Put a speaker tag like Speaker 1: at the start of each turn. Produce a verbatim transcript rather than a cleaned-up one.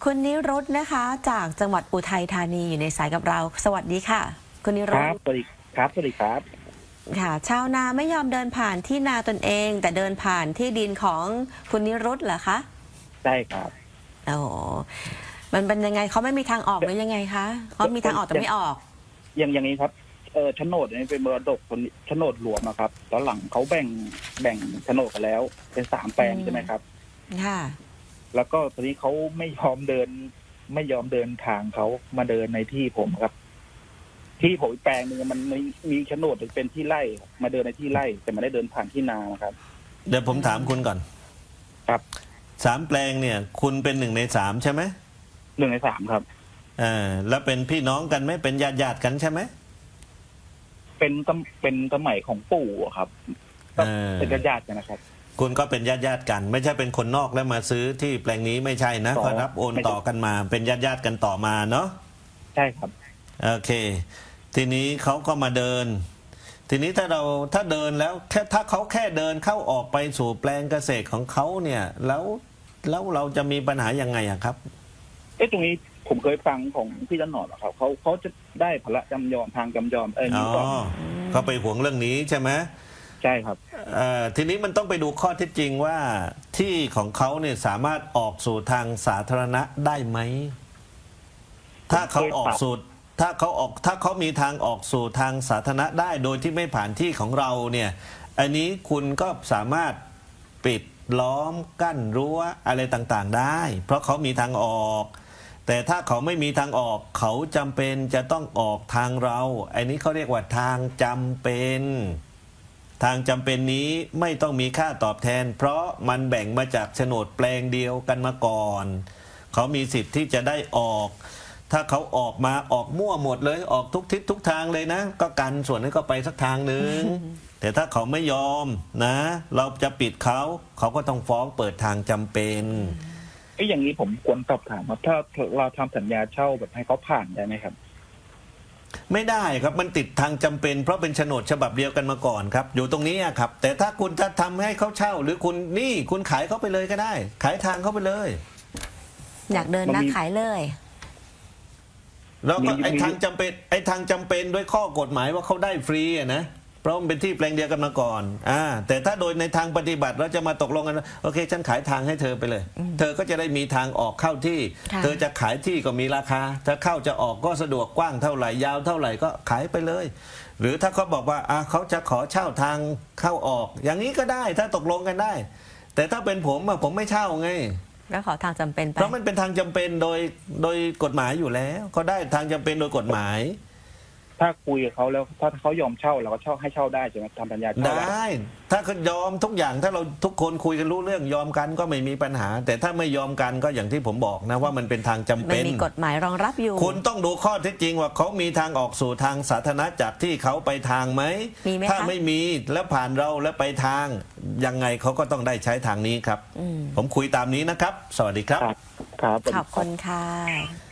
Speaker 1: คุณนิรุตนะคะจากจังหวัดอุทัยธานีอยู่ในสายกับเราสวัสดีค่ะคุณนิ
Speaker 2: ค
Speaker 1: รุต
Speaker 2: รับสวัสดีครับสวัสดีครับ
Speaker 1: ค่ะชาวนาไม่ยอมเดินผ่านที่นาตนเอง แต่เดินผ่านที่ดินของคุณนิรุตเหรอคะ
Speaker 2: ใช่ครับ
Speaker 1: โอ้โหมันเป็นยังไงเขาไม่มีทางออกหรือยังไงคะเขามีทางออกแต่ไม่ออก
Speaker 2: อย่างอย่างนี้ครับเออโฉนดนี่เป็นมรดกคนโฉนดรวมนะครับตอนหลังเขาแบ่งแบ่งโฉนดกันแล้ว เป็นสามแปลงใช่ไหมครับ
Speaker 1: ค่ะ
Speaker 2: แล้วก็ตอนนี้เขาไม่ยอมเดิน ไม่ยอมเดินทางเขามาเดินในที่ผมครับ ที่ผมอีกแปลงหนึงมันมีมีโฉนดเป็นที่ไร่มาเดินในที่ไร่แต่ไม่ได้เดินผ่านที่นานะครับ
Speaker 3: เดี๋ยวผมถามคุณก่อน
Speaker 2: ครับ
Speaker 3: สามแปลงเนี่ย คุณเป็นหนึ่งในสามใช่ไหม
Speaker 2: หนึ่งในสามครับ
Speaker 3: อ่าแล้วเป็นพี่น้องกันไหมเป็นญาติญาติกันใช่ไหม
Speaker 2: เป็นตเป็นสมัยของปู่อะครับก็เป็นญาติกันนะครับ
Speaker 3: คุณก็เป็นญาติญาติกัน ไม่ใช่เป็นคนนอกแล้วมาซื้อที่แปลงนี้ไม่ใช่นะก็รับโอนต่อกันมาเป็นญาติญาติกันต่อมาเนาะ
Speaker 2: ใช่ครับ
Speaker 3: โอเคทีนี้เขาก็มาเดิน ทีนี้ถ้าเราถ้าเดินแล้วแค่ถ้าเขาแค่เดินเข้าออกไปสู่แปลงเกษตรของเขาเนี่ยแล้วแล้วเราจะมีปัญหายังไงอะครับ
Speaker 2: เอ๊ะตรงนี้ผมเคยฟังของพี่จันหนอดครับเขาเขาจะได้พละจำยอมทางจำยอมเออ
Speaker 3: อ๋อเขาไปห่วงเรื่องนี้ใช่ไหม
Speaker 2: ใช่ครับ
Speaker 3: เอ่อทีนี้มันต้องไปดูข้อเท็จจริงว่าที่ของเขาเนี่ยสามารถออกสู่ทางสาธารณะได้ไหมถ้าเขาออกสู่ถ้าเขาออกถ้าเขามีทางออกสู่ทางสาธารณะได้โดยที่ไม่ผ่านที่ของเราเนี่ยอันนี้คุณก็สามารถปิดล้อมกั้นรั้วอะไรต่างๆได้เพราะเขามีทางออกแต่ถ้าเขาไม่มีทางออกเขาจำเป็นจะต้องออกทางเราอันนี้เขาเรียกว่าทางจำเป็นทางจำเป็นนี้ไม่ต้องมีค่าตอบแทนเพราะมันแบ่งมาจากโฉนดแปลงเดียวกันมาก่อนเขามีสิทธิ์ที่จะได้ออกถ้าเขาออกมาออกมั่วหมดเลยออกทุกทิศทุกทางเลยนะก็กันส่วนนี้ก็ไปสักทางหนึ่ง แต่ถ้าเขาไม่ยอมนะเราจะปิดเขาเขาก็ต้องฟ้องเปิดทางจำเป็น
Speaker 2: ไอ้อย่างนี้ผมควรสอบถามว่าถ้าเราทำสัญญาเช่าแบบให้เขาผ่านได้ไหมครับ
Speaker 3: ไม่ได้ครับมันติดทางจำเป็นเพราะเป็นโฉนดฉบับเดียวกันมาก่อนครับอยู่ตรงนี้ครับแต่ถ้าคุณจะทำให้เขาเช่าหรือคุณนี่คุณขายเขาไปเลยก็ได้ขายทางเขาไปเลย
Speaker 1: อยากเดินนะขายเลย
Speaker 3: แล้วก็ไอ้ทางจำเป็นไอ้ทางจำเป็นด้วยข้อกฎหมายว่าเขาได้ฟรีอะนะเพราะมันเป็นที่แปลงเดียวกันมาก่อนอ่าแต่ถ้าโดยในทางปฏิบัติเราจะมาตกลงกันโอเคฉันขายทางให้เธอไปเลยเธอก็จะได้มีทางออกเข้าที่เธอจะขายที่ก็มีราคาถ้าเข้าจะออกก็สะดวกกว้างเท่าไหร่ยาวเท่าไหร่ก็ขายไปเลยหรือถ้าเขาบอกว่าอ่าเขาจะขอเช่าทางเข้าออกอย่างนี้ก็ได้ถ้าตกลงกันได้แต่ถ้าเป็นผมอะผมไม่เช่าไง
Speaker 1: ก็ขอทางจำเป็นไป
Speaker 3: เพราะมันเป็นทางจำเป็นโดยโดยกฎหมายอยู่แล้วก็ได้ทางจำเป็นโดยกฎหมาย
Speaker 2: ถ้าคุยกับเขาแล้วถ้าเขายอมเช่าเราก็เช่าให้เช่าได้ใช่ไหมทำสัญญาเช่า
Speaker 3: ได้ถ้าเขายอมทุกอย่างถ้าเราทุกคนคุยกันรู้เรื่องยอมกันก็ไม่มีปัญหาแต่ถ้าไม่ยอมกันก็อย่างที่ผมบอกนะว่ามันเป็นทางจำเป็น
Speaker 1: มันมีกฎหมายรองรับอยู่
Speaker 3: คุณต้องดูข้อเท็จจริงว่าเขามีทางออกสู่ทางสาธารณะจากที่เขาไปทางไหมถ้าไม่มีแล้วผ่านเราแล้วไปทางยังไงเขาก็ต้องได้ใช้ทางนี้ครับผมคุยตามนี้นะครับสวัสดีครับ
Speaker 2: ครับ
Speaker 1: ขอบคุณค่ะ